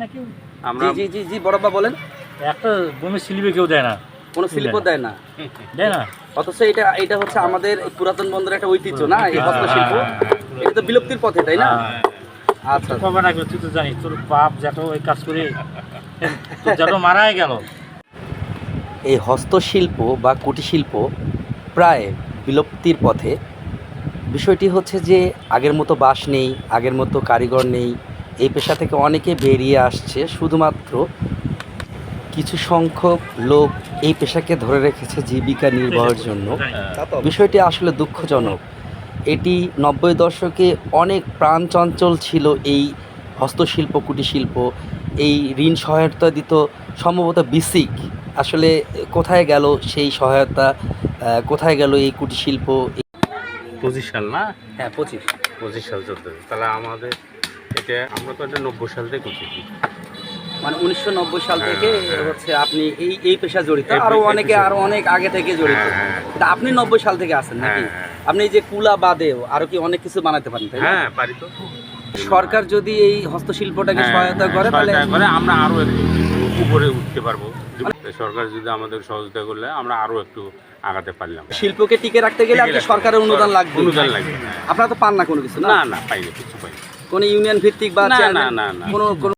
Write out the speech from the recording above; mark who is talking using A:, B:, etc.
A: না কেউ?
B: আমরা
C: জি জি জি বড়বা বলেন।
A: একটা বমির স্লিপে কেউ দেয় না,
C: কোনো স্লিপও দেয় না,
A: দেয় না।
C: অথচ এটা হচ্ছে আমাদের এই পুরাতন বন্দরের একটা ঐতিহ্য না, এই হস্তশিল্প। এটা তো বিলুপ্তির পথে, তাই না? আচ্ছা,
A: কবে না তুই তো জানিস তোর বাপ জ্যাঠো ওই কাজ করে তোর জ্যাঠো মারাই গেল।
C: এই হস্তশিল্প বা কুটিরশিল্প প্রায় বিলুপ্তির পথে। বিষয়টি হচ্ছে যে আগের মতো বাঁশ নেই, আগের মতো কারিগর নেই। এই পেশা থেকে অনেকে বেরিয়ে আসছে, শুধুমাত্র কিছু সংখ্যক লোক এই পেশাকে ধরে রেখেছে জীবিকা নির্বাহের জন্য। বিষয়টি আসলে দুঃখজনক। এটি 90 দশকে অনেক প্রাণচঞ্চল ছিল এই হস্তশিল্প কুটিরশিল্প। এই ঋণ সহায়তা দিত সম্ভবত বিসিক। আসলে কোথায় গেল সেই সহায়তা, কোথায় গেল এই কুটিরশিল্প?
B: 25 সাল না?
C: হ্যাঁ
B: 25 সাল চলতেছে। তাহলে আমাদের এটা আমরা তো এটা 90 সাল থেকে করতেছি।
C: মানে 1990 সাল থেকে হচ্ছে আপনি এই পেশা জড়িত।
B: এই
C: আরো
B: পেশা-
C: অনেক আগে থেকে জড়িত।
B: হ্যাঁ।
C: তা আপনি 90 সাল থেকে আছেন নাকি?
B: হ্যাঁ।
C: আপনি এই যে কুলা বাদেও আরো কি অনেক কিছু বানাতে পারেন, তাই না?
B: হ্যাঁ পারি তো।
C: সরকার যদি এই হস্তশিল্পটাকে সহায়তা করে তাহলে
B: সহায়তা করে আমরা আরো একটু উপরে উঠতে পারবো। সরকার যদি আমাদের সহযোগিতা করলে আমরা আরো একটু আগাতে পারলাম।
C: শিল্পকে টিকে রাখতে গেলে আর কি সরকারের অনুদান লাগবে।
B: অনুদান লাগবে।
C: আপনারা তো পান না কোনো কিছু না?
B: না পাইনি, কিছু পাইনি।
C: কোনো ইউনিয়ন ভিত্তিক বা
B: না,
C: চেয়ারম্যান,
B: না, না, না।
C: কোনো